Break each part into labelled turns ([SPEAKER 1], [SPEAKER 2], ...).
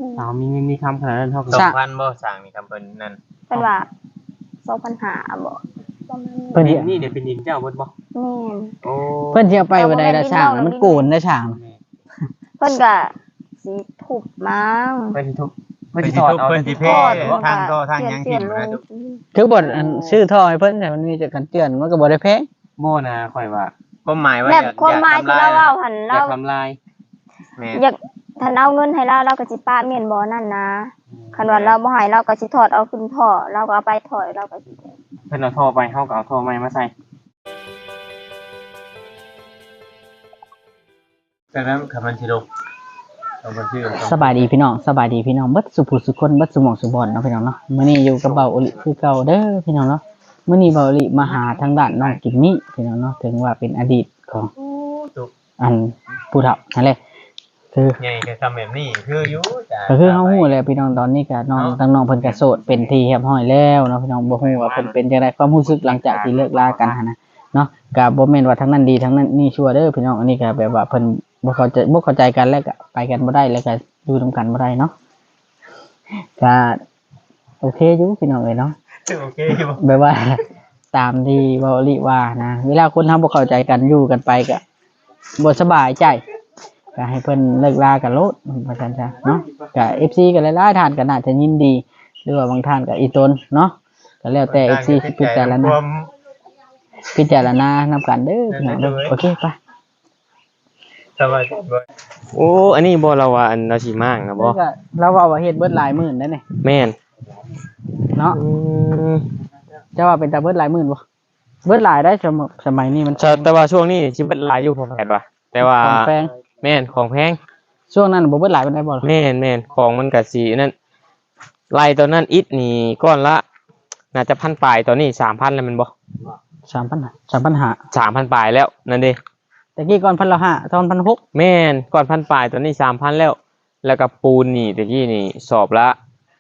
[SPEAKER 1] มีคำขนาดนั้นเท่ากับ
[SPEAKER 2] 2,000บ่สั่งนี่คำเพิ่นนั่น
[SPEAKER 3] เป็นว่า2,500บ่ประมาณนี้
[SPEAKER 1] เพิ่นนี่เดี๋ยวเป็นดินเจ้าเบิดบ่
[SPEAKER 3] แม่น
[SPEAKER 1] โอ้
[SPEAKER 4] เพิ่นสิเอาไปบ่ได้ละช่างมันโกนได้ช่าง
[SPEAKER 3] เพิ่นก็สิทุบมั้ง
[SPEAKER 1] เพิ่นสิทุบ
[SPEAKER 2] เพิ่นสิ
[SPEAKER 1] ถอด
[SPEAKER 2] ทุบ
[SPEAKER 1] เอา
[SPEAKER 2] เพิ่นสิเพทางก็ทางยังถิ่มนะทุก
[SPEAKER 4] คือบ่อันชื่อท่อให้เพิ่นแต่มันมีแต่กันเตือนมันก็บ่ได้แพง
[SPEAKER 1] โม่นะข่อยว่า
[SPEAKER 2] ความหมายว่า
[SPEAKER 3] แบบความหมายที่เราเว้าหั่น
[SPEAKER 1] อ
[SPEAKER 3] เรา
[SPEAKER 1] ยากทำลาย
[SPEAKER 2] แม่
[SPEAKER 3] อยากถ้าเอาเงินให้เราก็สิป้าเมียนบ่นั่นนะคันว่าเราบ่ให้เราก็สิถอดเอาขึ้นท่อเราก็เอาไปถอยเราก็สิ
[SPEAKER 1] เพิ่นเอาท่อไปเฮาก็เอาท่อใหม่มาใส่
[SPEAKER 2] แต่นั้นคำมันสิลงเอาบ่ชื่อ
[SPEAKER 4] สบายดีพี่น้องสบายดีพี่น้องเบิดสุผู้สุคนเบิดสุหม่องสุบอนเนาะพี่น้องเนาะมื้อนี้อยู่กับเบาอลิคือเก่าเด้อพี่น้องเนาะมื้อนี้เบาอลิมาหาทางด้านน้องกิมมี่พี่น้องเนาะถึงว่าเป็นอดีตของอันผู้เฒ่านั่นแหละคือ
[SPEAKER 2] ใหญ่ก็ทำแบบนี้คืออยู่จ้ะ
[SPEAKER 4] ก็คือเฮาฮู้แหละพี่น้องตอนนี้ก็น้องทั้งน้องเพิ่นก็โสดเป็นที่เรียบร้อยแล้วเนาะพี่น้องบ่ฮู้ว่าเพิ่นเป็นจังไดความรู้สึกหลังจากที่เลิกลากันหันนะเนาะก็บ่แม่นว่าทั้งนั้นดีทั้งนั้นนี่ชั่วเด้อพี่น้องอันนี้ก็แบบว่าเพิ่นบ่เข้าใจกันแล้วก็ไปกันบ่ได้แล้วก็อยู่นํกันบ่ได้เนาะก็โอเคอยู่พี่น้องเอ้ยเนาะ
[SPEAKER 2] โอเคอยู่
[SPEAKER 4] แบบว่า ตามที่เว้าลิว่านะเวลาคนทำบ่เข้าใจกันอยู่กันไปก็บ่สบายใจก็ให้เพิ่นเลิกลากันโลดว่าซั่นจ้ะเนาะก็ FC ก็หลายๆท่านก็น่าจะยินดีหรือว่าบางท่านก็อีตนเนาะก็แล้วแต่ FC สิพิจารณานำกันเด้อพี่น้องเด้อโอเคไป
[SPEAKER 2] สบายบ่
[SPEAKER 1] โอ้อันนี้บ่เราว่าอันเราสิมากนะบ่
[SPEAKER 4] แล้วก็เราเว้าว่าเฮ็ดเบิดหลายหมื่นได้นี่
[SPEAKER 1] แม่น
[SPEAKER 4] เนาะจะว่าเป็นตาเบิดหลายหมื่นบ่เบิดหลายได้สมัยนี้มัน
[SPEAKER 1] แต่ว่าช่วงนี้สิเบิดหลายอยู่พอแผดว่ะแต่ว่า
[SPEAKER 4] ของแพง
[SPEAKER 1] แม่นของแพง
[SPEAKER 4] ช่วงนั้นบ่เบิดหลายปานใดบ่ล่ะ
[SPEAKER 1] แม่นของมันก็สินั่นไล่ตอนนั้นอิฐนี่ก้อนละน่าจะพันปลายตอนนี้ 3,000 แล้วแมันบ่
[SPEAKER 4] 3,500
[SPEAKER 1] 3,000 ปลายแล้วนั่นเด้
[SPEAKER 4] ตะกี้ก่อน1,500ตอน1,600
[SPEAKER 1] แม่นก่อนพันปลายตอนนี้ 3,000 แล้ว แล้วก็ปูนนี่ตะกี้นี่สอบละ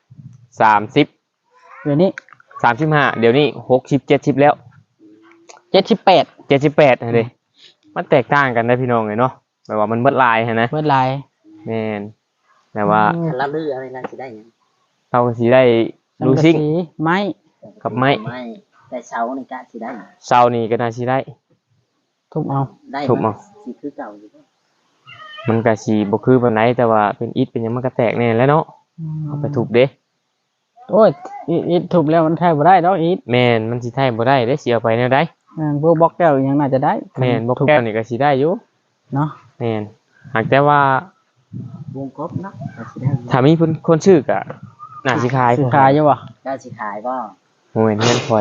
[SPEAKER 1] 30
[SPEAKER 4] เดี๋ยวนี้
[SPEAKER 1] 35เดี๋ยวนี้60 70แล้ว
[SPEAKER 4] 78
[SPEAKER 1] 78นั่นเด้มันแตกต่างกันนะพี่น้องเอ้ยเนาะแบบว่ามันเบิดหลายหันนะ
[SPEAKER 4] เบิดหลาย
[SPEAKER 1] แม่นแต่ว่า
[SPEAKER 5] เราลืออะไรนั่นสิได้หยัง
[SPEAKER 1] เราก็สิได้รู้ซิ่ง
[SPEAKER 4] สังกะสีไม้
[SPEAKER 1] กับไม้
[SPEAKER 5] ไม่แต่เช้านี่กะสิได้
[SPEAKER 1] เช้านี้ก็น่าสิได้
[SPEAKER 4] ทุบเอา
[SPEAKER 5] ได้
[SPEAKER 1] ถูกมั้ง
[SPEAKER 5] สิคือเก่าอยู่
[SPEAKER 1] มันก็สิบ่คือปานใดแต่ว่าเป็นอิฐเป็นหยังมันก็แตกแน่แหล้วเนาะเอาไปทุบเด้
[SPEAKER 4] โอ้ยอีทุบแล้วมันแทบบ่ได้ดอกอี
[SPEAKER 1] แม่นมันสิไทยบ่ได้เด้สิเอาไปแนวใด
[SPEAKER 4] พวกบล็อกแก้วยังน่าจะได้
[SPEAKER 1] แม่นบ่แก้วนี่ก็สิได้อยู่
[SPEAKER 4] เนาะ
[SPEAKER 1] แม่นหากแต่ว่า
[SPEAKER 5] วงกบเนาะก็สิได้
[SPEAKER 1] ถ้ามีคนชื่อก็น่าสิขาย
[SPEAKER 4] สิขายอยู่บ่
[SPEAKER 5] เจ้าสิขายบ่
[SPEAKER 1] โอ้ยเงินข่อย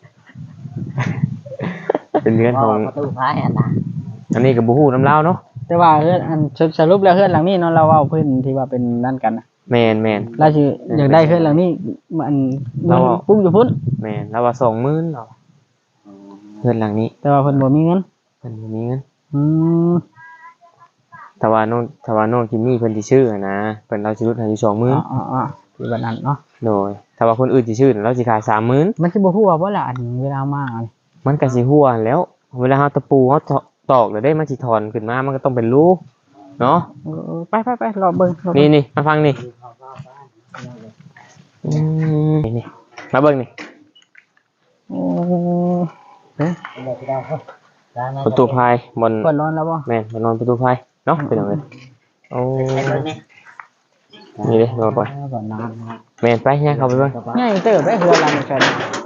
[SPEAKER 1] เป็นเรือนของ
[SPEAKER 5] ประตูพายอันน่ะ
[SPEAKER 1] อันนี้ก็บ่ฮู้นำลาวเนาะ
[SPEAKER 4] แต่ว่าเฮือนอันสรุปแล้วเฮือนหลังนี้เนาะเราเอาเพิ่นที่ว่าเป็นนั่นกันนะ
[SPEAKER 1] แม่น
[SPEAKER 4] เราสิอยากได้เฮือนหลังนี้มันปลูกอยู่พุ่น
[SPEAKER 1] แม่นแล้วว่า20,000เนาะเรือนหลังนี้
[SPEAKER 4] แต่ว่าเพิ่นบ่มีเงิน
[SPEAKER 1] เพิ่นบ่มีเงิน
[SPEAKER 4] อืม
[SPEAKER 1] ถ้าว่าน้องคิมมี่เพิ่นสิชื่ออะนะเพิ่นเราสิลดให้อยู่20,000
[SPEAKER 4] อ๋อคือแบบนั้นเนาะ
[SPEAKER 1] โดยถ้าว่าคนอื่นสิชื่อเราสิขาย 30,000
[SPEAKER 4] มันสิบ่ฮู้ว่าบ่ล่ะอันเวลามาอัน
[SPEAKER 1] มันก็สิหัวแล้ว เวลาเฮาตะปูเฮาตอกแล้วได้มันสิถอนขึ้นมามันก็ต้องเป็นรูเนาะ
[SPEAKER 4] ไปรอเบิ่ง
[SPEAKER 1] นี่มาฟังนี่นี่มาเบิ่งนี่
[SPEAKER 4] โอ้
[SPEAKER 1] ประตูพายบน
[SPEAKER 4] ก่อนร้อนแล้วบ่
[SPEAKER 1] แม่นบนนอนประตูพายเนาะเป็นจังได๋โอ้นี่เด้รอก่อน
[SPEAKER 4] ก่อนนาน
[SPEAKER 1] แม่นไปย่างเข้าไปเบิ่ง
[SPEAKER 4] ใหญ่เติบได้เฮือนหลังนี้กัน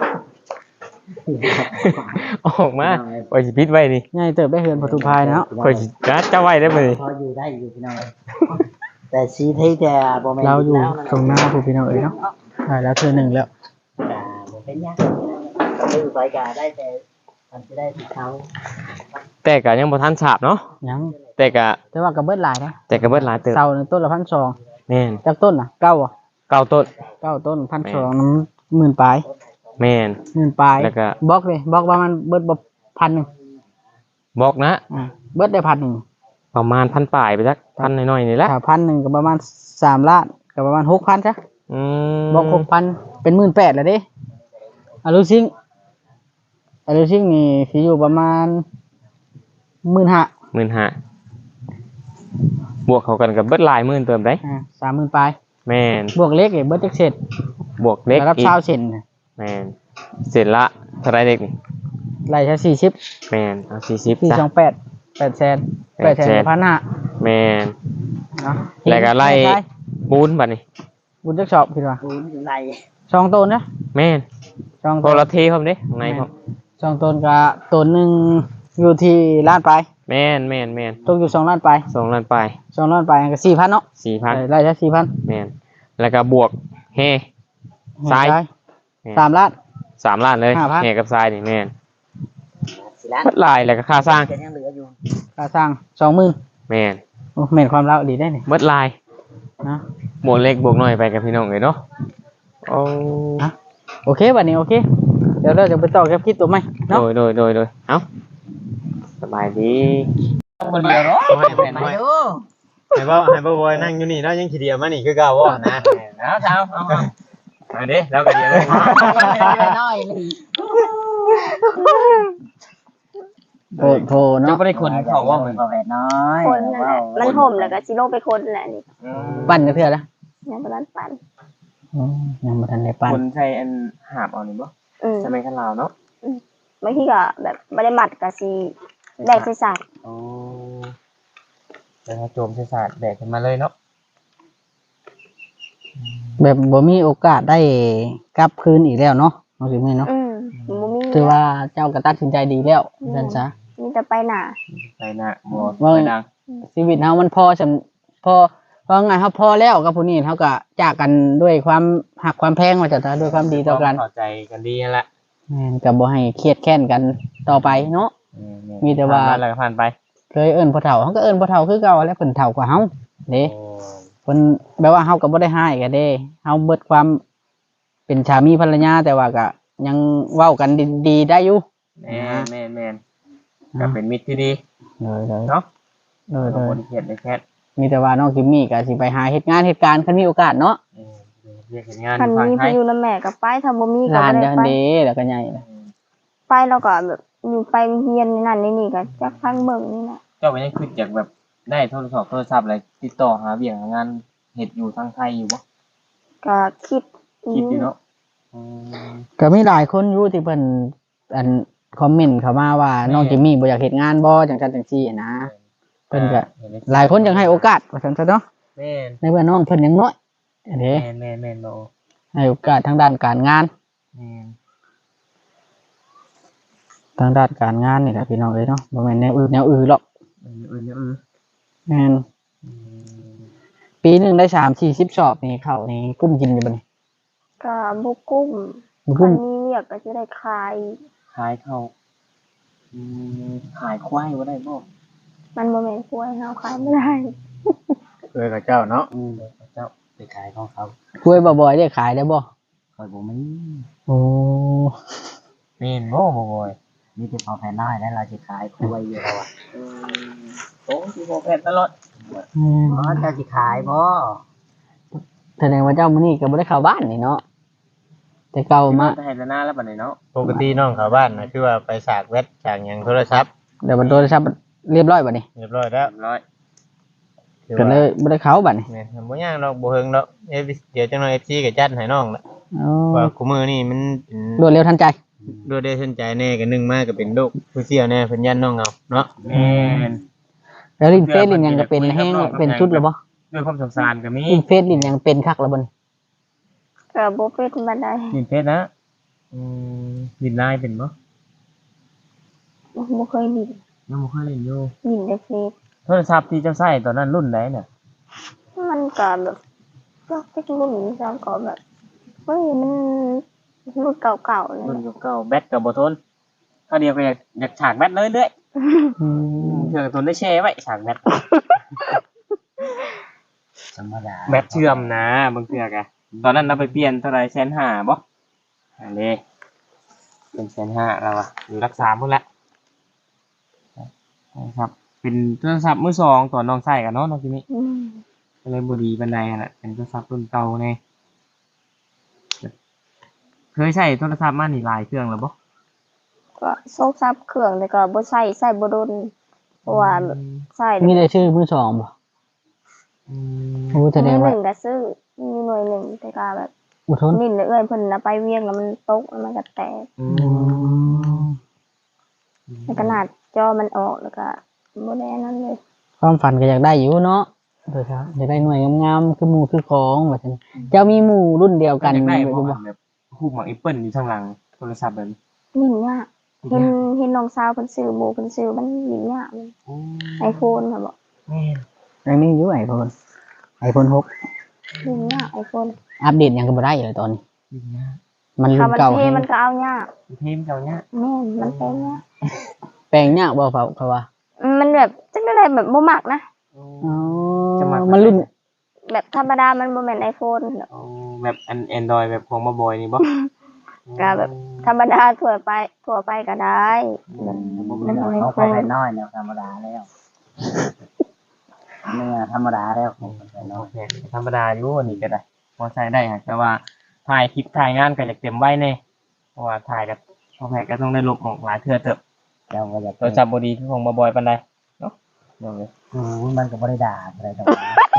[SPEAKER 1] ออกมาไว้สิปิดไว้นี่
[SPEAKER 4] ใหญ่เติบได้เฮือนประตูพายเนาะ
[SPEAKER 1] ข่อยสิจัดจะไว้ได้บ่นี่
[SPEAKER 5] พออยู่ได้อยู่พี่น้องแต่ซีที่แต่บ่แม่น
[SPEAKER 4] เราอยู่
[SPEAKER 5] แล้ว
[SPEAKER 4] ตรงหน้าผู้พี่น้องเอ้ยเนาะได้แล้วเทื่อหนึงแล้ว
[SPEAKER 5] บ่เป็นหยังลือไปกะได้แต่มันสิได้ที่เขา
[SPEAKER 1] แต่ก็ยังบ่ทันสาบเนาะ
[SPEAKER 4] ยัง
[SPEAKER 1] แต่ก็
[SPEAKER 4] แต่ว่าก็เบิดหลายนะ
[SPEAKER 1] แต่ก็เบิดหลายเติบ
[SPEAKER 4] เสาหนึงต้นละ1,200
[SPEAKER 1] แม่น
[SPEAKER 4] จากต้นน่ะเก้าอ่ะ
[SPEAKER 1] เก้าต้น
[SPEAKER 4] 9ต้น1,200น้ำหมื่นปลาย
[SPEAKER 1] แม่น
[SPEAKER 4] หมื่นปลาย
[SPEAKER 1] แล้วก็
[SPEAKER 4] บล็อกเลยบล็อกประมาณเบิดบ่1,000
[SPEAKER 1] บอกนะ
[SPEAKER 4] เบิดได้1,000
[SPEAKER 1] ประมาณ1,000ปลายไปจักพันน้อยๆนี่แหละ
[SPEAKER 4] ถ้า1,000ก็ประมาณ3ล้านก็ประมาณ 6,000จ้ะ
[SPEAKER 1] ม
[SPEAKER 4] บล็อก6,000เป็น18,000แล้วเด้อะลูซิงนี่สิอยู่ประมาณ 15,000
[SPEAKER 1] 15,000บวกเข้ากันกับเบิดหลายหมื่นเติมได้
[SPEAKER 4] 30,000ปลาย
[SPEAKER 1] แม่น
[SPEAKER 4] บวกเล็กอีกเบิดจักเสร็จ
[SPEAKER 1] บวกเล็ก
[SPEAKER 4] แล้วรับ
[SPEAKER 1] อีก
[SPEAKER 4] ชาวเซนน่ะ
[SPEAKER 1] แม่นเสร็จละเท่าไรเด็กนี่
[SPEAKER 4] ไล่ซะ40
[SPEAKER 1] แม่นเอา40จ้ะ
[SPEAKER 4] 428 8แสน8แสนพันห้า
[SPEAKER 1] แม่น
[SPEAKER 4] เนาะ
[SPEAKER 1] แล้วก็ไล่ปูนบัดนี้
[SPEAKER 4] บุญจักชอบคิดว่า
[SPEAKER 5] ปูนอยู่ใน
[SPEAKER 4] สองต้นนะ
[SPEAKER 1] แม่น
[SPEAKER 4] สอง
[SPEAKER 1] โท
[SPEAKER 4] ต้น
[SPEAKER 1] รเทพร้อมเด้ข้างในพร้อม
[SPEAKER 4] สองต้นก็ต้นหนึงอยู่ที่ล้านปลาย
[SPEAKER 1] แม่นแม่นแม่น
[SPEAKER 4] ตกอยู่2ล้านปลาย
[SPEAKER 1] 2ล้านปลาย
[SPEAKER 4] 2ล้านปลายก็4,000เนาะ
[SPEAKER 1] 4,000
[SPEAKER 4] ไล่ซะ4,000
[SPEAKER 1] แม่นแล้วก็บวกเฮ ทราย
[SPEAKER 4] 3ล้าน
[SPEAKER 1] 3ล้านเลย
[SPEAKER 4] 5,000
[SPEAKER 1] เฮกับทรายนี่แม่น
[SPEAKER 5] สิล้าน
[SPEAKER 1] มัดลายแล้วก็ค่าสร้าง
[SPEAKER 5] จะยังเหลืออยู่
[SPEAKER 4] ค่าสร้าง 20,000
[SPEAKER 1] แม่น
[SPEAKER 4] โอ้แม่นความเล่าดีได้นี่
[SPEAKER 1] มัดลาย
[SPEAKER 4] นะ
[SPEAKER 1] บวกเล็กบวกน้อยไปกับพี่น้องเลยเนาะโอ้
[SPEAKER 4] โอเคบัดนี้โอเคเดี๋ยวเราจะไปต่อกับคลิปตัวใหม่เนาะ
[SPEAKER 1] โดยเอ้าสบายดี
[SPEAKER 2] คนเดียวเนาะ
[SPEAKER 5] ไปดู
[SPEAKER 2] ให้บ่บอยนั่งอยู่นี่เนาะยังขี้เดียวมานี่คือเก่าบ่นะ
[SPEAKER 1] เอาเช้าเอามาดิแล้วก็เดี๋ยวเลย
[SPEAKER 5] น้อยเลย
[SPEAKER 4] โพเนาะ
[SPEAKER 1] ไม่ได้คนเขาว่ามัน
[SPEAKER 5] บ่แม่น้อย
[SPEAKER 3] คนนั่นแหละมันห่มแล้วก็สิลงไปคนแหละนี่
[SPEAKER 4] ปั่นกันเถอะนะ
[SPEAKER 3] ยังบ่ทันปัน
[SPEAKER 4] ยังบ่ทันได้ปั่น
[SPEAKER 1] คนใช้อันหาบเอานี่บ่
[SPEAKER 3] อืม
[SPEAKER 1] สมัยขันลาวเนาะ
[SPEAKER 3] บางทีก็แบบบ่ได้มัดก็สิได้ใส่สาก
[SPEAKER 1] โอ้แล้วโจมใช้ศาสตร์แบกขึ้นมาเลยเนาะ
[SPEAKER 4] แบบบ่มีโอกาสได้กลับคืนอีกแล้วเนาะเอาสิแม่เนาะ
[SPEAKER 3] บ่มี
[SPEAKER 4] ถือว่าเจ้าก็ตัดสินใจดีแล้วนั่นซะ
[SPEAKER 3] มีแต่ไปหน้า
[SPEAKER 1] ไปหน้าบ่
[SPEAKER 4] ว่า
[SPEAKER 1] ไปดัง
[SPEAKER 4] ชีวิตเฮามันพอสำพอว่าไงครับพอแล้วกับผู้นี้เฮาก็จากกันด้วยความหักความแพงว่าจะด้วยความดีต่อกัน
[SPEAKER 1] เข้าใจกันดีนั่นแหละ
[SPEAKER 4] แม่นก็บ่ให้เครียดแค้นกันต่อไปเนาะ มีแต่ว่า
[SPEAKER 1] ผ่นมแล้วก็ผ่านไป
[SPEAKER 4] เคยเอิ้นพ่อเฒ่าเฮาก็เอิ้นพ่อเฒ่าคือเก่าแล้วเพิ่นเฒ่ากว่าเฮาเด้
[SPEAKER 1] โอ้
[SPEAKER 4] เพิ่นแบบว่าเฮาก็บ่ได้ให้กันเด้เฮาเบิดความเป็นสามีภรรยาแต่ว่าก็ยังเว้ากันดีๆได้อยู่
[SPEAKER 1] แม่นก็เป็นมิตรที่ดี
[SPEAKER 4] เลย
[SPEAKER 1] เนาะ
[SPEAKER 4] เลย
[SPEAKER 1] บ่ได้เครียดได้แค่
[SPEAKER 4] มีแต่ว่าน้องกิมมี่ก็สิไปหาเฮ็ดงานเหตุการณ์คันมีโอกาสเนาะ
[SPEAKER 1] เรียกเห็นงาน
[SPEAKER 3] คัน
[SPEAKER 1] ฟัง
[SPEAKER 3] มี
[SPEAKER 1] ไท
[SPEAKER 3] พาย ยุนำแม่ก็ไปถ้าบ่มีก็
[SPEAKER 4] ลาน
[SPEAKER 3] บ่ได้
[SPEAKER 4] จัง
[SPEAKER 3] ไป
[SPEAKER 4] เด้แล้วก็ใหญ่เลย
[SPEAKER 3] ไปแล้วก็แบบอยู่ไปเฮียนนั่นนี่ก็จักพังเบิ่งนี่น่ะ
[SPEAKER 1] เจ้าก็ยังคิดอยากแบบได้โทรศัพท์อะไรติดต่อหาเบี่ยงหางานเฮ็ดอยู่ทางไทยอยู่บ่
[SPEAKER 3] ก็คิด
[SPEAKER 1] คิดอยู่เนาะ
[SPEAKER 4] ก็มีหลายคนอยู่ที่เพิ่นอันคอมเมนต์เข้ามาว่าน้องกิมมี่บ่อยากเฮ็ดงานบ่จังซั่นจังซี่นะเพิ่นก็หลายคนยังให้โอกาสว่าซั่นซะเนาะ
[SPEAKER 1] แม่น
[SPEAKER 4] ในเมื่อน้องเพิ่นยังน้อยอันนี้
[SPEAKER 1] แม่นบ่
[SPEAKER 4] ให้โอกาสทางด้านการงาน
[SPEAKER 1] แม่น
[SPEAKER 4] ทางด้านการงานนี่แหละพี่น้องเอ้ยเนาะบ่แม่นแนวอื่นหรอกแม่นปีหนึงได้3-40สอบนี่เข้านี่กุ้มกินอยู่บ่นี่
[SPEAKER 3] ก็บ่กุ้ม
[SPEAKER 4] บ่
[SPEAKER 3] คั
[SPEAKER 4] กุ้
[SPEAKER 3] น
[SPEAKER 4] ม
[SPEAKER 3] มีเวียกก็สิได้ขาย
[SPEAKER 1] ขายเข้าขายควายบ่ได้บ่
[SPEAKER 3] มันบ่แม่นกล้วยเฮาขายบ่ได้
[SPEAKER 2] กับเจ้าเนาะ
[SPEAKER 1] เจ้า
[SPEAKER 5] ไปขายของเขา
[SPEAKER 4] กล้วยบ่อยๆได้ขายได้บ่
[SPEAKER 5] คอยบ่มี
[SPEAKER 4] โอ้
[SPEAKER 1] แม่นบ่บ่อย
[SPEAKER 5] มีแต่พอแผ่น้อยแล้วเราจะขายคุยอยู่แล้วอ่ะ
[SPEAKER 1] โอ้สิบ่แพ้ตลอด
[SPEAKER 4] อืม
[SPEAKER 5] อ๋อเจ้าสิขายบ่
[SPEAKER 4] แสดงว่าเจ้ามื้อนี้ก็บ่ได้เข้าบ้านนี่เนาะแต่เก่ามา
[SPEAKER 1] ไปให้หน้าแล้วบัดนี้เนาะ
[SPEAKER 2] ปกติน้องเขาบ้านนะคือว่าไปสากเวทจากหยังโทรศัพท์
[SPEAKER 4] เดี๋ยวบัดโทรศัพท์เรียบร้อยบัดนี้
[SPEAKER 2] เรียบร้อยแล้ว
[SPEAKER 1] ร้อย
[SPEAKER 2] คือ
[SPEAKER 4] ก็
[SPEAKER 2] ว่า
[SPEAKER 4] เลยบ่ได้เข้าบัดนี้
[SPEAKER 2] เนี่ยบ่ยากดอกบ่เฮิงดอกเดี๋ยวจังหน่อย FC ก็จัดให้น้องละ
[SPEAKER 4] อ๋อ
[SPEAKER 2] ว่าคุมือนี่มันเป็น
[SPEAKER 4] รวดเร็วทันใจ
[SPEAKER 2] ด้วยได้สนใจแน่ก็นึงมากก็เป็นโรคผู้เสี่ยวแน่เพิ่นยันน้องเอาเนาะ
[SPEAKER 1] แม่น
[SPEAKER 4] แล้วลิ้นเฟซลิ้นหยังก็เป็นแห้งเป็นชุดแล้วบ่
[SPEAKER 1] ด้วยความสงสารก็มี
[SPEAKER 4] ลิ้นเฟซลิ้นหยังเป็นคักแล้วบ่นี่
[SPEAKER 3] ก็บ่เป็นบันได
[SPEAKER 1] ดินเพชรนะดินลายเป็นบ่
[SPEAKER 3] บ่เคยดิน
[SPEAKER 1] ยังบ่เคยเล่นอยู่
[SPEAKER 3] ดินได้เฟซ
[SPEAKER 1] โทรศัพท์ที่เจ้าใช้ตอนนั้นรุ่นใดเนี่ย
[SPEAKER 3] มันก็แบบก็เป็นรุ่นแล้วก็แบบเฮ้ยมันรุ่นเก่าๆเลย
[SPEAKER 1] รุ่นเก่าๆแบตก็บ่ทนถ้าเดียวก็อยากฉากแบตเลยเรื่อย
[SPEAKER 4] อืม
[SPEAKER 1] เชื่อทนได้แช่ไว้ฉากแบต
[SPEAKER 5] ธรรมดา
[SPEAKER 1] แบตเชื่อมนะบางเทื่อกะตอนนั้นเราไปเปลี่ยนเท่าไหร่150,000บ่อันนี้เป็น150,000เราอะอยู่รักษาพุ่นละนะครับ เป็นโทรศัพท์มือสองตอนน้องใช้กันเนาะน้องจิมี่
[SPEAKER 3] อืม
[SPEAKER 1] ก็เลยบ่ดีปานใดนั่นแหละเป็นโทรศัพท์รุ่นเก่าแน่เคยใช้โทรศัพท์มานี่หลายเครื่องแล้วบ่
[SPEAKER 3] ก็โซกซับเครื่องแต่ก็บ่ใส่บ่โดนเพราะว่าแบบใส่
[SPEAKER 4] มีได้ชื่อมือสองบ่
[SPEAKER 1] อืม
[SPEAKER 4] โอ้แสด
[SPEAKER 3] มื
[SPEAKER 4] ง
[SPEAKER 3] อห
[SPEAKER 4] ว่า
[SPEAKER 3] นึ่งก็ซื้อมีอยู่หน่วยหนึ่งแต่ก็แบบ
[SPEAKER 4] อุทน
[SPEAKER 3] นิ่นเอื้อยเพิ่นนะไปเวียงแล้วมันตกแล้วมันก็แตก
[SPEAKER 1] อื
[SPEAKER 4] อื
[SPEAKER 1] ม
[SPEAKER 4] ม
[SPEAKER 3] แล้วก็หนาดจอมันออกแล้วก็บ่ได้นั่นเลย
[SPEAKER 4] ความฝันก็อยากได้อยู่เนาะโดยครับอยากได้หน่วยงามๆคือหมู่คือของว่าซั่นเจ้ามีหมู่รุ่นเดียวกัน
[SPEAKER 1] อยากได้
[SPEAKER 4] อยู่
[SPEAKER 1] บ่
[SPEAKER 4] บ่
[SPEAKER 1] แบบฮูกหมักแอปเปิ้ลอยู่ข้างหลังโทรศัพท์แบบนี้
[SPEAKER 3] นิ่นยากเห็นน้องสาวเพิ่นซื้อหมู่เพิ่นซื้อมันนิ่นยากไอโฟนค่ะบ่
[SPEAKER 1] แม่น
[SPEAKER 4] ยังมีอยู่iPhone 6
[SPEAKER 3] นิ่นยากไอโฟน
[SPEAKER 4] อัปเดตหยังก็บ่ได้เลยตอนนี้
[SPEAKER 1] ดีนะ
[SPEAKER 4] มันรุ่
[SPEAKER 3] ถ้าน มัน
[SPEAKER 4] เก่า
[SPEAKER 3] เทมันก็เอายาก
[SPEAKER 1] เทมเจ้าเนี่ย
[SPEAKER 3] แม่นมันเป็นยาก
[SPEAKER 4] แปลงยากบ่เขาว่า
[SPEAKER 3] มันแบบจังได้แบบบ่มักนะ
[SPEAKER 4] อ๋อ
[SPEAKER 1] จะมา
[SPEAKER 4] มันรุ่น
[SPEAKER 3] แบบธรรมดามันบ่แม่นไอโฟน
[SPEAKER 1] เอาแบบAndroid แบบของมาบอยนี่บ่
[SPEAKER 3] ก็แบบธรรมดาทั่วไปก็ได้แบบมันบ่ไอ
[SPEAKER 5] เขา
[SPEAKER 3] โฟ
[SPEAKER 5] ไป
[SPEAKER 3] น
[SPEAKER 5] น้อยเนี่ยธรรมดาแล้วเนื้อธรรมดาแล้วผมไปน้อย
[SPEAKER 1] โอเคธรรมดาอยู่อันนี้ก็ได้พอใช้ได้ฮะแต่ว่าถ่ายคลิปถ่ายงานก็อยากเต็มไว้แน่เพราะว่าถ่ายกับพอแพก็ต้องได้ลบออกหลายเทื่อเติบ
[SPEAKER 5] เจ้าก็อยาก
[SPEAKER 1] โทรศัพท์บ่ดีคือของมาบอยปานใดเนาะเดี๋ยวเลย
[SPEAKER 5] มันก็บ่ได้ด่าอะไรต่าง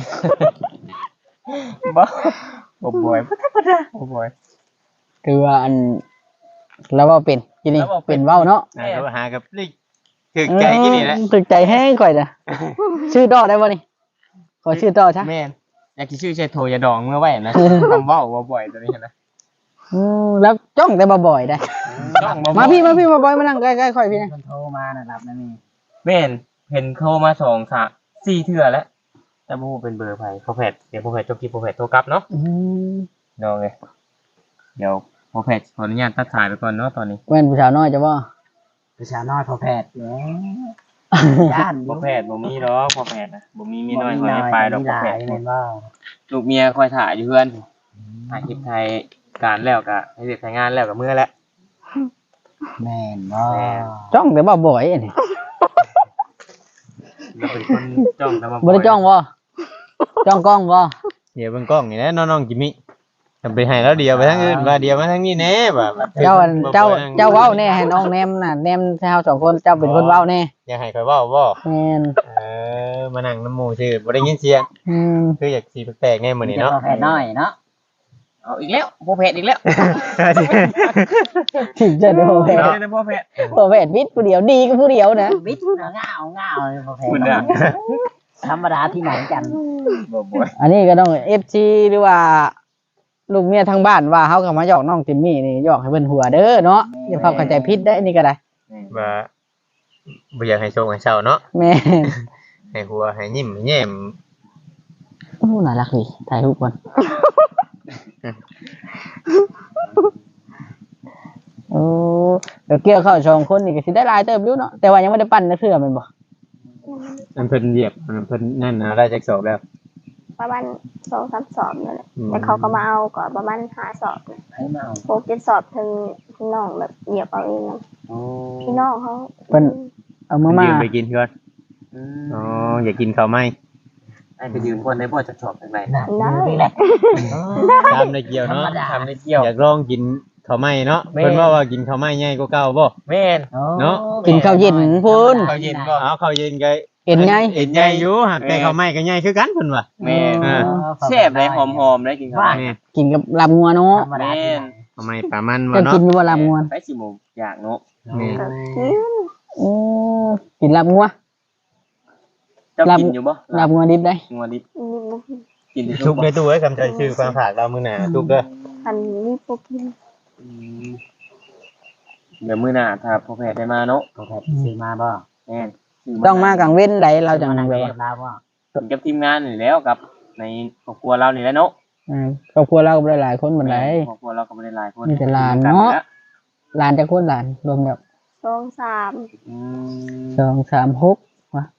[SPEAKER 1] บ่บ่อยบ่ธรรมดาบ่บ่อย
[SPEAKER 4] คือว่าอันแล้วว่าเป็นกินนี่
[SPEAKER 1] แล้วว่าเป็
[SPEAKER 4] เป็น นเว้าเนาะ
[SPEAKER 2] ก็หากับนี่ถึกใจกินนี่แหละ
[SPEAKER 4] ถึกใจแห้งก่อยจ้ะชื่อดอกได้บ่นี่ขอชื่อดอกซะ
[SPEAKER 1] แม่นอยากสิชื่อใช้โทรยาดองเมื่อไว้นะคำเว้าบ่บ่อยตัวนี้นะ
[SPEAKER 4] แล้วจ้องแต่บ่อยได้
[SPEAKER 1] ต้องบ่บ่
[SPEAKER 4] มาพี่มาบ่อยมานั่งใกล้ๆค่อยพี่นะ
[SPEAKER 5] ๆมันโทรมานะครับนั่นนี่
[SPEAKER 1] แม่นเห็นโทรมา2 3 4เทื่อแล้วแต่บ่ฮู้เป็นเบอร์ไผพอแพทเดี๋ยวพอแพทจบคลิปพอแพทโทรกลับเนาะ เดี๋ยวเลยเดี๋ยวพอแพทย์ขออนุญาตตัดสายไปก่อนเนาะตอนนี้
[SPEAKER 4] แม่นผู้สาวน้อยจะบ่
[SPEAKER 5] ประชาน้อยพอแพทย์เนี่ยย่าน
[SPEAKER 1] พอแพทย์บ่มีหรอกพอแพทย์นะบ่มีมีน้อยคอยไปดอกพอแพทย์
[SPEAKER 5] แม่นว่า
[SPEAKER 1] ลูกเมียคอยถ่ายอยู่เพื่อนถ่ายคลิปไทยการแล้วก็ให้เสร็จงานแล้วก็เมื่อแล้ว
[SPEAKER 5] แม่นว่า
[SPEAKER 4] จ้องแต่บ่อยอันนี้
[SPEAKER 1] เราเป็นคนจ้องแต่มา
[SPEAKER 4] บ่ได้จ้องบ่จ้องกล้องบ่
[SPEAKER 2] เดี๋ยวเบิ่งกล้องนี่แหละน้องๆจิมมี่ทำไปให้แล้วเดียวไปทางอื่นว่าเดียวมาทางนี้แน่ว่า
[SPEAKER 4] เจ้าเว้าแน่ให้น้องแนมน่ะแนมเฮาสองคนเจ้าเป็นคนเว้าแน่
[SPEAKER 2] อยากให้ข่อยเว้าบ่
[SPEAKER 4] แม่น
[SPEAKER 2] มานั่งน้ำหมู่ซื่อบ่ได้ยินเสียง
[SPEAKER 4] อืม
[SPEAKER 2] คืออยากสิแปลกๆแน่มื้อนี้เนาะ
[SPEAKER 5] พอแพทย์น้อยเนาะ
[SPEAKER 1] เอาอีกแล้วพอแพทย์อีกแล้ว
[SPEAKER 4] ถึงจะได้บ่แพ้
[SPEAKER 1] เอาเลยพอแพทย์
[SPEAKER 4] บ่แพ้วิทย์ผู้เดียวดีก็ผู้เดียวนะ
[SPEAKER 5] วิทย์ง่าวเลยพอแพท
[SPEAKER 1] คุณ
[SPEAKER 5] ย์
[SPEAKER 1] น่ะ
[SPEAKER 5] ธรรมดาที่ไหนกัน
[SPEAKER 1] บ่บ่อย
[SPEAKER 4] อันนี้ก็ต้อง FG หรือว่าลูกเมียทางบ้านว่าเฮาก็มาหยอกน้องติมมี่นี่หยอกให้เพิ่นหัวเด้อเนาะอย่าเข้าใจผิดได้อันนี้ก็ได้
[SPEAKER 2] ว่าบ่อยากให้โชคให้เศร้าเนาะ
[SPEAKER 4] แม่น
[SPEAKER 2] ให้หัวให้ยิ้มให้แย้ม
[SPEAKER 4] โอ้น่ารักดีถ่ายรูปก่อนโอ้เดี๋ยวเกี่ยวเข้าสองคนนี่ก็สิได้หลายเติบอยู่เนาะแต่ว่ายังไม่ได้ปั้นนะเทื่อแม่นบ่
[SPEAKER 2] อันเพิ่นเหยียบอันเพิ่นนั่นนะได้จักสอบแล้ว
[SPEAKER 3] ประมาณ2-3 สอบนั่นแหละแต่เขาก็มาเอาก็ประมาณ5 สอบ
[SPEAKER 5] ให้มาเอา
[SPEAKER 3] 6-7 สอบถึงน้องแบบเหยียบเอาเองนะพี่น้องเขา
[SPEAKER 4] เพิ่นเอามา
[SPEAKER 2] ยืมไปกินก่อนอ๋ออยากกินข้าวไหม
[SPEAKER 1] ให้ไปยืมคนในบ่จะชอบจังได๋
[SPEAKER 5] น่ะนี่แหละ
[SPEAKER 2] ทำได้เกี่ยวเนาะ
[SPEAKER 1] ทำได้เกี่ยว
[SPEAKER 2] อยากลองกินข้าวไหมเนาะ
[SPEAKER 1] แม่
[SPEAKER 2] เพิ่นว่ากินข้าวไหมใหญ่กว่าเก่าบ่
[SPEAKER 1] แม่น
[SPEAKER 2] เนาะ
[SPEAKER 4] กินข้าวเย็นพุ่น
[SPEAKER 1] ข้าวเย็นบ่
[SPEAKER 2] เอาข้าวเย็นก็
[SPEAKER 4] เอ็นไง
[SPEAKER 2] เอ็นใหญ่อยู่หากแต่ข้าวไหมก็ใหญ่คือกันเพิ่นว่า
[SPEAKER 1] แม่น
[SPEAKER 2] อ่า
[SPEAKER 1] แซ่บเลยหอมๆได้กินข้าว
[SPEAKER 2] แม่
[SPEAKER 4] กินกับลาบงัวเนาะ
[SPEAKER 5] ธรรมดาที่ไหน
[SPEAKER 2] ข้าวไหมปลามันบ่
[SPEAKER 4] เจะ
[SPEAKER 2] เนาะ
[SPEAKER 4] กินอยู่บ่ลาบงัว
[SPEAKER 1] ไปสิหมูอยากเนาะ
[SPEAKER 2] แม่
[SPEAKER 3] ก็กิน
[SPEAKER 4] โอ้กินลาบงัว
[SPEAKER 1] เจ้า
[SPEAKER 4] ลาบ
[SPEAKER 1] กินอยู่บ่
[SPEAKER 4] ลาบงัวดิบได้
[SPEAKER 1] งัวดิบ
[SPEAKER 3] นี่บ่กิน
[SPEAKER 1] กินได้
[SPEAKER 2] ทุ
[SPEAKER 1] ทุ
[SPEAKER 2] ก
[SPEAKER 1] ก
[SPEAKER 2] ในตู้ไว้คำใจชื่อความฝากเรามื้อหน้าทุกเด้อ
[SPEAKER 3] อันนี้บ่กิน
[SPEAKER 1] เดี๋ยวมื้อหน้าถ้าพ่อแพทย์ได้มาเนาะ
[SPEAKER 5] พอแพทย์ซื้อมาบ่
[SPEAKER 1] แม่น
[SPEAKER 4] ต้องมากลางเว้นใดเราจะ
[SPEAKER 5] มา
[SPEAKER 4] นั่
[SPEAKER 5] นั่
[SPEAKER 4] ง
[SPEAKER 5] ง
[SPEAKER 4] แบบ
[SPEAKER 5] เรีย
[SPEAKER 4] ว่า
[SPEAKER 5] บลาวบ่
[SPEAKER 1] กินกับทีมงานนี่แล้วกับในครอบครัวเรานี่แหละเนาะ
[SPEAKER 4] ครอบครัวเราก็บ่ได้หลายคนบันได
[SPEAKER 1] ครอบครัวเราก็บ่ได้หลายคน
[SPEAKER 4] มีแต่หลานเนาะ หลานจะคนหลานรวมแบบ
[SPEAKER 3] 2-3
[SPEAKER 1] อืม
[SPEAKER 4] 2 3 6วะ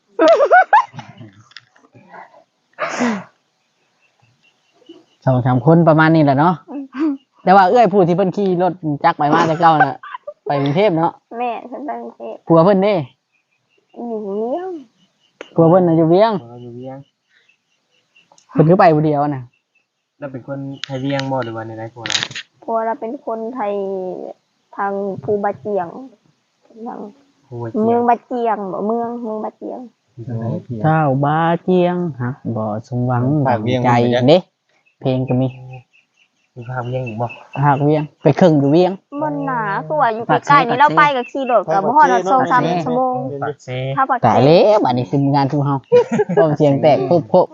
[SPEAKER 4] 2-3 คนประมาณนี้แหละเนาะแต่ว่าเอื้อยผู้ที่เพิ่นขี่รถจักรไปมาแต่เก่าน่ะไปกรุงเทพเนาะ
[SPEAKER 3] แม่เพิ่นไปกรุงเทพ
[SPEAKER 4] ผัวเพิ่นเด้
[SPEAKER 3] อยู่เลี้ยง
[SPEAKER 4] ผัวเพิ่นน่ะอยู่เวียง
[SPEAKER 1] เราอยู่เวียง
[SPEAKER 4] เพิ่นคือไปผู้เดียวน่ะ
[SPEAKER 1] เราเป็นคนไทยเวียงบ่หรือว่าในไรพวกเรา
[SPEAKER 3] เพราะว่าเราเป็นคนไทยทางภูบาเจียงทาง
[SPEAKER 1] โอ้ย
[SPEAKER 3] เมืองบาเจียงบ่เมืองบาเจียง
[SPEAKER 4] เจ้าบาเจียงฮักบ่สมหวังดังใจเด้เพลงก็มี
[SPEAKER 1] มีภาพเวียงอีกบ่
[SPEAKER 4] หากเวียงไปครึ่งอยู่เวียง
[SPEAKER 3] มันหนาคือว่าอยู่ใกล้ๆนี่เราไปก็ขี่รถก็บ่ฮอด2-3 ชั่วโมง
[SPEAKER 1] ปากเซ
[SPEAKER 3] ถ้าปัก
[SPEAKER 4] ตายแล้วบัดนี้คืองานทุกเฮาพร้อมเสียงแตกโพก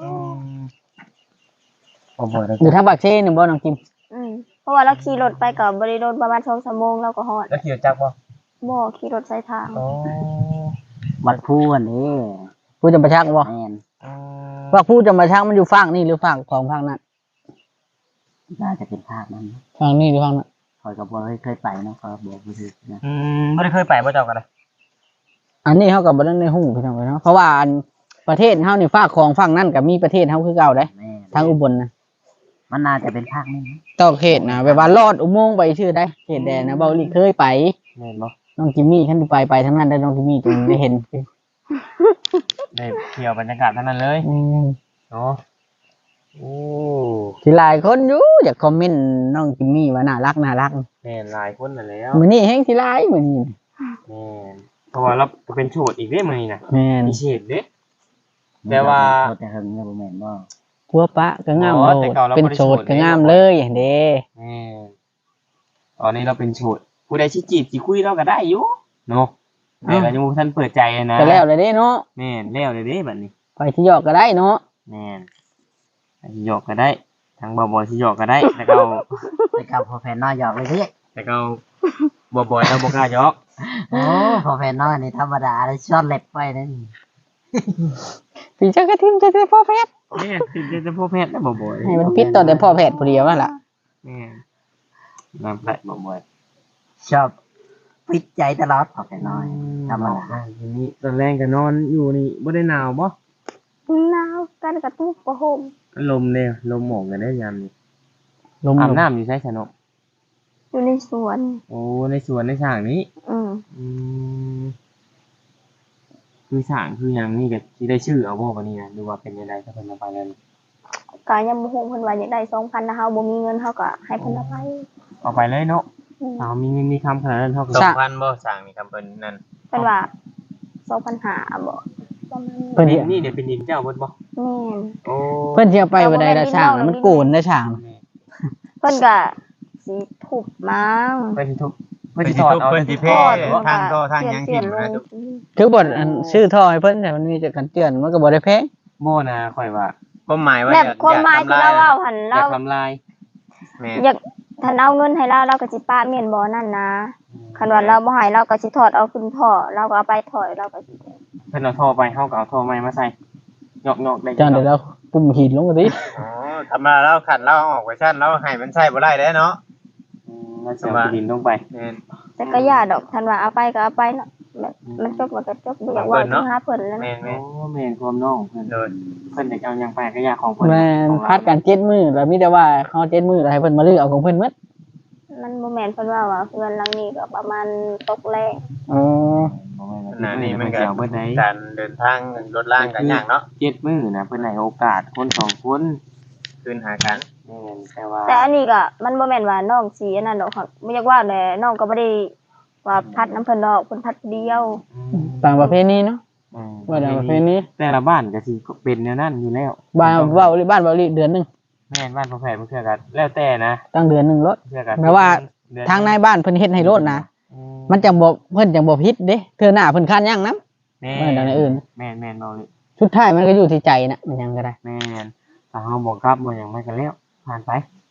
[SPEAKER 1] บ่บ่ได้
[SPEAKER 4] ๆอยู่ทางปากเซ่นี่บ่น้องกิม
[SPEAKER 3] เพราะว่าเราขี่รถไปก็บ่ได้โดนประมาณ2 ชั่วโมงเราก็ฮอด
[SPEAKER 1] แล้วขี่รถจักรบ่
[SPEAKER 3] บ่ขี่รถสายทาง
[SPEAKER 1] อ๋อ
[SPEAKER 5] วัดพูอันนี้
[SPEAKER 4] ผู้จะมาชักบ่
[SPEAKER 5] แม่น
[SPEAKER 4] ว่าผู้จะมาชักมันอยู่ฝั่งนี่หรือฝั่งของฝั่งนั้น
[SPEAKER 5] น่าจะเป็นภาพนั้น
[SPEAKER 4] ฝั่งนี้หรือฝั่งนั้น
[SPEAKER 5] คอยกับบ่เคยไปเนาะคอยบอกบ่ถูกนะ
[SPEAKER 1] บ่ได้เคยไปบ่เจ้ากันเลย
[SPEAKER 4] อันนี้เฮาก็บ่ได้ในหูพี่น้องเนาะเพราะว่าอันประเทศเฮานี่ฝากของฝั่งนั้นก็มีประเทศเฮาคือเก่าเด้
[SPEAKER 5] แม่
[SPEAKER 4] ทางอุบลนะ
[SPEAKER 5] มันน่าจะเป็นภาคนี้นะ
[SPEAKER 4] ต่อเขตนะแบบว่าลอดอุโมงค์ไปชื่อได้เขตแดนนะเบาหลีเคยไป
[SPEAKER 1] แม่นบ่
[SPEAKER 4] น้องจิมมี่ท่านไปทั้งนั้นได้น้องจิมมี่จึงได้เห็น
[SPEAKER 1] ได้เที่ยวบรรยากาศเท่านั้นเลยเนาะโอ้
[SPEAKER 4] ที่หลายคนอยู่อยากคอมเมนต์น้องจิมมี่ว่าน่ารัก
[SPEAKER 1] แม่นหลายคนนั่นแล้ว
[SPEAKER 4] มื้อนี้แฮงที่หลายมื้อนี้
[SPEAKER 1] แม่นเพราะว่าเราเป็นโฉดอีกเด้มื้อนี้น่ะ
[SPEAKER 4] แม่น
[SPEAKER 1] มีเฉดเด้ แต่ว่า
[SPEAKER 5] โคตรจะหึงเนี่ยบ่แม่นบ่
[SPEAKER 4] ผัวปะก็งาม
[SPEAKER 1] อ๋อ
[SPEAKER 4] โล
[SPEAKER 1] แต่
[SPEAKER 4] ด
[SPEAKER 1] ก่อนเรา
[SPEAKER 4] เป็น
[SPEAKER 1] บ่ได้
[SPEAKER 4] โสด
[SPEAKER 1] โสด
[SPEAKER 4] ก็
[SPEAKER 1] เลย
[SPEAKER 4] งามเลยเด้
[SPEAKER 1] แม่นตอนนี้เราเป็นโฉดผู้ใดสิจีบสิคุยเราก็ได้อยู่เนาะแต่เรายังบ่ทันเปิดใจนะ
[SPEAKER 4] ก็แล้วเลยเด้เนาะ
[SPEAKER 1] แม่นแล้วเลยเด้บัดนี้
[SPEAKER 4] ไปที่หยอกก็ได้เนาะ
[SPEAKER 1] แม่นสิหยอกก็ได้ทางบ่บ่สิหยอกก็ได้แต่ก็
[SPEAKER 5] ไปกับพอแฟนน้อยหยอกเลยเด้
[SPEAKER 1] แต่ก็บ่บ่เราบ่กล้าหยอก
[SPEAKER 5] โอ้พอแฟนน้อยนี่ธรรมดาเลยช็อตเล็บไปนั่น
[SPEAKER 4] พี่จักกระทิมจะได้พ่อแพทย์
[SPEAKER 1] แม่นสิจะพ่อแพทย์นะบ่บ่
[SPEAKER 4] ให้มันปิดต่อแต่พ่อแพทย์ผู้เดียวนั่นล่ะ
[SPEAKER 1] แม่นนำได้บ่บ่
[SPEAKER 5] ชอบปิดใจตลอดพอแฟนน้อยธรรมดา
[SPEAKER 1] ทีนี้ตอนแรกก็นอนอยู่นี่บ่ได้หนาวบ่
[SPEAKER 3] หนาวกันกระตุกประห่ม
[SPEAKER 1] ลมเนี่ยลมหมอกกันได้ยามนี้
[SPEAKER 4] ลม
[SPEAKER 1] อาบน้ำอยู่ใช่ชนก
[SPEAKER 3] อยู่ในสวน
[SPEAKER 1] โอ้ในสวนในสร้างนี้
[SPEAKER 3] อืม
[SPEAKER 1] อืมคือสร้างคือหยังนี่ก็สิได้ชื่อเอาบ่บัดนี้นะดูว่าเป็นยังไงถ้าเพิ่นเอาไปแล้วนี่
[SPEAKER 3] ก็ยังบ่ฮู้เพิ่นว่าอยากได้ 2,000นะเฮาบ่มีเงินเฮาก็ให้เพิ่นเอาไป
[SPEAKER 1] เอาไปเลยเนาะ
[SPEAKER 3] อืม
[SPEAKER 1] เอามีเงินมีคำขนาดนั้นเท่ากับ
[SPEAKER 2] 2,000บ่สร้างนี่คำเพิ่นนั่น
[SPEAKER 3] เพิ่นว่า2,500บ่ประมาณนี้
[SPEAKER 4] เพิ่นสิ
[SPEAKER 1] นี่เดี๋ยวเป็นดินเจ้าเบิดบ่
[SPEAKER 3] แม่น
[SPEAKER 1] โอ้
[SPEAKER 4] เพิ่นสิเอาไปบ่ได้ละช่างน่ะมันโกนได้ช่าง
[SPEAKER 3] เพิ่นก็สิทุบมั้ง
[SPEAKER 1] เพิ่นสิทุบ
[SPEAKER 2] เพิ่
[SPEAKER 1] เพิ่น
[SPEAKER 2] น
[SPEAKER 1] สิ
[SPEAKER 2] สิ
[SPEAKER 1] ถอด
[SPEAKER 2] ทุบ
[SPEAKER 1] เอา
[SPEAKER 2] เพิ่นสิเพ่ ทางท่อทางหยังทิ่มนะทุก
[SPEAKER 4] คือบ่อันชื่อท่อให้เพิ่นแต่มันมีจักกันเตือนมันก็บ่ได้แพง
[SPEAKER 1] โมนะข่อยว่า
[SPEAKER 2] ความหมายว่า
[SPEAKER 3] แบบความหมายที่เราเว้าหั่น
[SPEAKER 1] อ
[SPEAKER 3] เรา
[SPEAKER 1] ยากทำลาย
[SPEAKER 2] แม่
[SPEAKER 3] อยากถ้าเอาเงินให้เราก็สิปาแม่นบ่นั่นนะคันว่าเราบ่ให้เราก็สิถอดเอาขึ้นท่อเราก็เอาไปถอยเราก็สิ
[SPEAKER 1] เพิ่นเอาท่อไปเฮาก็เอาท่อใหม่มาใส่ยอกๆได้
[SPEAKER 4] จ้าเดี๋ยวเราปุ่มหินลงมาดิ
[SPEAKER 2] อ๋อธรรมดาเราขัดเราออกไว้ชั้นเราให้มันใช้บ่ได้เด้เนาะ
[SPEAKER 1] แล้วเสียบดินลงไป
[SPEAKER 2] แม่น
[SPEAKER 3] แต่ก็อย่าดอกทันว่าเอาไปก็เอาไปเนาะแบบมันจบมันก็จบบ่อยากเว่าถึงหาเพิ่นแล้ว
[SPEAKER 2] แม่
[SPEAKER 3] นะ
[SPEAKER 2] น
[SPEAKER 1] โอ้แม่นความน้องเพิ่น
[SPEAKER 2] โดน
[SPEAKER 1] เพิ่นจะเอาหยังไปก็อยากของเพิ่น
[SPEAKER 4] แม่นพัดกัน7มื้อแล้วมีแต่ว่าเฮา7มื้อแล้วให้เพิ่นมาลื้อเอาของเพิ่นหมด
[SPEAKER 3] มันบ่แม่นเพิ่นว่าเพื่อนหลังนี้ก็ประมาณตกแรง
[SPEAKER 4] อ๋อ
[SPEAKER 2] ขณะนี้มันก็
[SPEAKER 1] เสียเบิดได้
[SPEAKER 2] การเดินทางรถล่างกันยากเนาะ
[SPEAKER 1] 7มื้อนะเพิ่นให้โอกาสคนสองคน
[SPEAKER 2] คืนหากัน
[SPEAKER 1] แม่นแต่ว่า
[SPEAKER 3] แต่อันนี้ก็มันบ่แม่นว่าน้องสิอันนั้นดอกค่ะบ่อยากว่าแหละน้องก็บ่ได้ว่าพัดน้ำเพิ่นดอกเพิ่นพัดเดียว
[SPEAKER 4] ต่างประเภทนี้เนาะ
[SPEAKER 1] อืม
[SPEAKER 4] ว่าต่างประเภทนี้
[SPEAKER 1] แต่ละบ้านก็สิเป็นแนวนั้นอยู่แล้ว
[SPEAKER 4] บ้านเว้าบ้านเว้าเดือนหนึง
[SPEAKER 1] แม่นบ้านพ่อแพทย์มันคือกันแล้วแต่นะ
[SPEAKER 4] ตั้งเดือนหนึงรถ
[SPEAKER 1] เพื่อกัน
[SPEAKER 4] แปลว่า
[SPEAKER 1] เดือ
[SPEAKER 4] ทางนายบ้านเพิ่นเฮ็ดให้รถนะ
[SPEAKER 1] อื
[SPEAKER 4] มันจังบ่เพิ่นจังบ่ผิดเด้เทื่อหน้าเพิ่นคันยังนำ
[SPEAKER 1] แม่
[SPEAKER 4] ไม่ดังในอื่น
[SPEAKER 1] แม่นแม่นเอาเลย
[SPEAKER 4] สุดท้ายมันก็อยู่ที่ใจน่ะมันยังก็ได้
[SPEAKER 1] แม่นถ้าเฮาบอกกลับบ่หยังไม่กันแล้วผ่านไป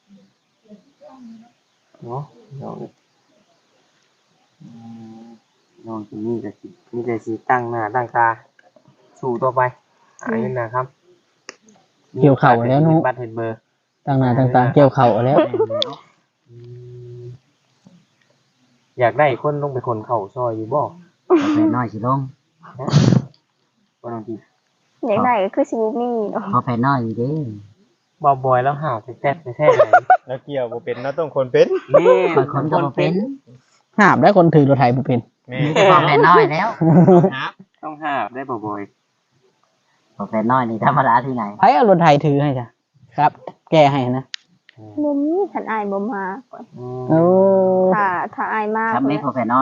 [SPEAKER 1] เนาะน้องอืมน้องที่นี่ก็สิมีแต่สิตั้งหน้าตั้งตาสู้ต่อไปหาเงินนะครับ
[SPEAKER 4] เกี่ยวเข่าแล้วเนาะ
[SPEAKER 1] บัตรเห็นเบอร์
[SPEAKER 4] ต่างหน้าต่างๆเกี่ยวเข้าแล้ว
[SPEAKER 1] อืมอยากได้คนลงไปคนเข่าซอยอยู่บ่
[SPEAKER 5] พอแฟนน้อยสิลง
[SPEAKER 1] บ่ต้องกิน
[SPEAKER 3] อยากได้ก็คือสิบ่มีดอก
[SPEAKER 5] พอแฟนน้อยอยู่เด้
[SPEAKER 1] บ่บอยแล้วหาไปแซ่บไปแท้ไหน
[SPEAKER 2] แล้วเกี่ยวบ่เป็นเราต้องคนเป็น
[SPEAKER 1] แม่
[SPEAKER 5] บางคนก็บ่เป็น
[SPEAKER 4] หาบได้คนถือรถไถบ่เป็น
[SPEAKER 2] แม่
[SPEAKER 5] มีแต่พอแฟนน้อยแล้ว
[SPEAKER 2] ครับ
[SPEAKER 1] ต้องหาได้บ่บอย
[SPEAKER 5] พอแฟนน้อยนี่ธรรมดาที่ไหน
[SPEAKER 4] ไผเอารถไถถือให้จ้ะครับ แก้ให้นะ
[SPEAKER 3] บ่มีคันอายบ่มาก่อน
[SPEAKER 4] โอ้
[SPEAKER 3] ถ้าอายมา
[SPEAKER 5] ครับไม่พอแฟนน้อย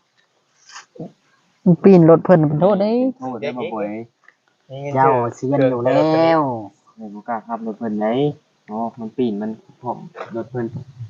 [SPEAKER 4] ปีนรถเพิ่นเป็นโทษเด้
[SPEAKER 1] โทษได้บ่บอย
[SPEAKER 5] เจ้าเซียนอยู่แล้ว
[SPEAKER 1] ในบ่กล้าขับรถเพิ่นไหนอ๋อมันปีนมันผมรถเพิ่น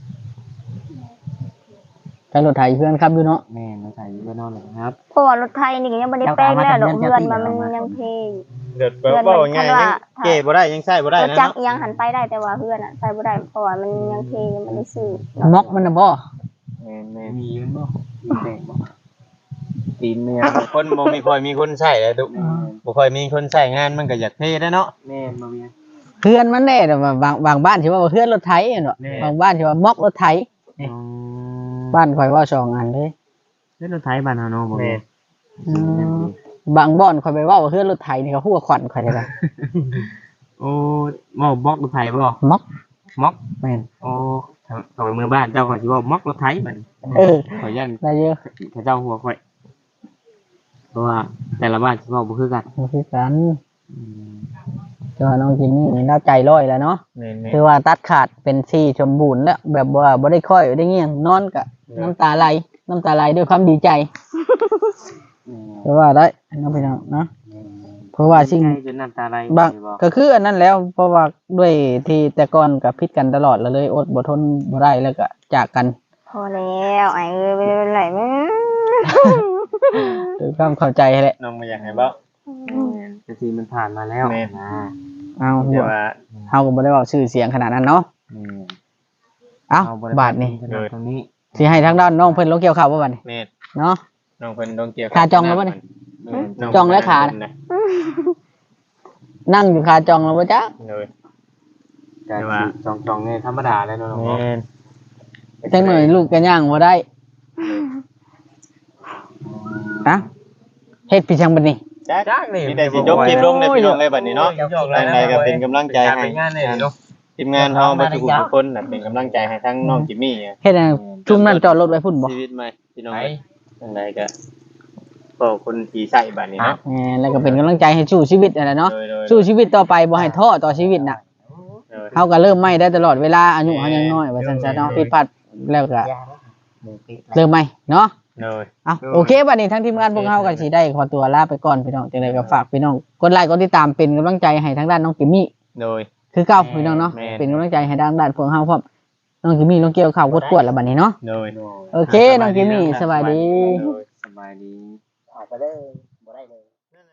[SPEAKER 4] ใช้รถไถเพื่อนครับอยู่เนาะ
[SPEAKER 1] แม่มาใส่อยู่ก็นอนเลยครับ
[SPEAKER 3] เพราะว่ารถไทยนี่ก็ยังบ่ได้แป้งแล้วดอกเฮือนมันยังเพลง
[SPEAKER 2] เดือดเว้าง่ายๆยังเก้บ่ได้ยังใช้บ่ได้
[SPEAKER 3] รถ
[SPEAKER 2] นะ
[SPEAKER 3] จักร
[SPEAKER 2] เนาะ
[SPEAKER 3] ยังหันไปได้แต่ว่าเฮือนใส่บ่ได้เพราะว่ามันยังเพลงยังบ่ได้ซื้อ
[SPEAKER 4] ม็อกมันน่ะบ่
[SPEAKER 2] แม่น
[SPEAKER 1] มีมันบ่มีแดงบ่ตีนเมีย
[SPEAKER 2] ๆคนบ่มีค่อยมีคนใช้เลยตุบ่ค่อยมีคนใช้งานมันก็อยากเท่ได้เนาะ
[SPEAKER 1] แม่มาเมีย
[SPEAKER 4] เพื่อนมันแน่แต่ว่าบางบ้านสิว่าเพื่อนรถไถเนาะ
[SPEAKER 1] แน่
[SPEAKER 4] บางบ้านสิว่าม็อกรถไถบ้านข่อยว่าสองอันเลย
[SPEAKER 1] เล่นรถไถบ้านเฮาเนาะบ่
[SPEAKER 2] แม่
[SPEAKER 1] แม่
[SPEAKER 4] บางบ่อนข่อยไปว่าเพื่อนรถไถนี่ก็หัวขวัญข่อยได้ละ
[SPEAKER 1] โอ้บ่บล็อกรถไถบ่
[SPEAKER 4] ม็อก
[SPEAKER 1] ม็อก
[SPEAKER 4] แม่น
[SPEAKER 1] โอ้เข้าไปเมืองบ้านเจ้าก็สิว่าม็อกรถไถบัด
[SPEAKER 4] เออ
[SPEAKER 1] ขอยัน
[SPEAKER 4] ได้เยอะ
[SPEAKER 1] เขาเจ้าหัวข่อยเพราะว่าแต่ละบ้านสิเว้าบ่คือกัน
[SPEAKER 4] บ่คือกัน
[SPEAKER 1] อืม
[SPEAKER 4] เจ้าน้องจิมมี่นี่น่าใจร้อยแล้วเนาะ
[SPEAKER 2] แม่น
[SPEAKER 4] คือว่าตัดขาดเป็นซี่สมบูรณ์แล้วแบบว่าบ่ได้ค่อยได้เงี้ยงนอนกะน้ำตาไหลด้วยความดีใจเพราะว่าได้น้องพี่น้องเนาะเพราะว่าสิ่ง
[SPEAKER 1] ใจจนน้ำตาไหล
[SPEAKER 4] บาง
[SPEAKER 1] บ่
[SPEAKER 4] ก็คืออันนั้นแล้ว เพราะว่าด้วยที่แต่ก่อนกับพิษกันตลอดแล้วเลยอดบ่ทนบ่ได้แล้วก็จากกัน
[SPEAKER 3] พอแล้วไอ้เอ้ยไปเป็นไรมั้ง
[SPEAKER 4] ด้วยความเข้าใจแหละ
[SPEAKER 2] น้องบ่อยากให้เว้า
[SPEAKER 1] แต่สิมันผ่านมาแล้ว
[SPEAKER 2] แม่น
[SPEAKER 1] นะ
[SPEAKER 4] เอา
[SPEAKER 2] แต่ว่า
[SPEAKER 4] เฮาก็บ่ได้เว้าชื่อเสียงขนาดนั้นเนาะ
[SPEAKER 1] อืม
[SPEAKER 4] เอ้า
[SPEAKER 1] เอ
[SPEAKER 4] บาทนี่
[SPEAKER 1] ขนาดตรงนี้
[SPEAKER 4] สิให้ทางด้านน้องเพิ่นลงเกี่ยวข้าวบ่บัดนี้
[SPEAKER 2] แม่น
[SPEAKER 4] เนาะ
[SPEAKER 2] น้องเพิ่นต้องเกี่ยว
[SPEAKER 4] ขาจองแล้วบ่นี่
[SPEAKER 2] น้
[SPEAKER 4] จองแล้วขา นั่งอยู่คาจองแล้วบ่จ๊ะ
[SPEAKER 2] เลย
[SPEAKER 1] แต่
[SPEAKER 2] แต่ว่า
[SPEAKER 1] ว่าจองๆเนี่ยธรรมดาแล้วเนาะ
[SPEAKER 2] แม่น
[SPEAKER 4] จังหน่อยลูกก็ย่างบ่ได้ฮะเฮ็ดพี่จังบัดนี้
[SPEAKER 2] จักนี่มีแต่สิยกคลิปลงในพี่น้องเลยบัดนี้เนาะทางใดก็เป็นกำลังใจให้
[SPEAKER 1] เป็นงานเลยเนาะ
[SPEAKER 2] ทีมงานเฮาบ่ทุกทุกคนน่ะเป็นกำลังใจให้ทั้งน้องจิมมี่
[SPEAKER 4] เฮ็ดให้จุ่มนั่นจอดรถไว้พุ่นบ่
[SPEAKER 2] ชีวิตใหม่พี่น้อง
[SPEAKER 1] ไป
[SPEAKER 2] ทางใดก็ก็คนที่ใส่บัดนี้เนาะ
[SPEAKER 4] แล้วก็เป็นกำลังใจให้สู้ชีวิตนั่นแหละเนาะ
[SPEAKER 2] โดย
[SPEAKER 4] สู้ชีวิตต่อไปบ่ให้ท้อต่อชีวิตน่ะ
[SPEAKER 2] โดย
[SPEAKER 4] เฮาก็เริ่มใหม่ได้ตลอดเวลาอายุเฮายังน้อยว่าซั่นซะเนาะผิดพลาดแล้วก็
[SPEAKER 5] ยาแล้วมือปิดแล้ว
[SPEAKER 4] เริ่มใหม่เนาะ
[SPEAKER 2] โดย
[SPEAKER 4] เอาโอเคบัดนี้ทั้งทีมงานพวกเฮาก็สิได้ขอตัวลาไปก่อนพี่น้องจังไดก็ฝากพี่น้องกดไลค์กดติดตามเป็นกำลังใจให้ทางด้านน้องกิมมี่
[SPEAKER 2] โดย
[SPEAKER 4] คือเก่าพี่น้องเนาะ
[SPEAKER 2] แม่น
[SPEAKER 4] เป็นกำลังใจให้ทางด้านพวกเฮาพร้อมน้องกิมมี่ลงเกี่ยวข้าวกวดๆแล้วบัดนี้เนาะ
[SPEAKER 2] โดย
[SPEAKER 4] โอเคน้องกิมมี่สบายดี
[SPEAKER 2] โดย
[SPEAKER 1] สบายดี
[SPEAKER 5] ออกไปเลยบ่ได้เลย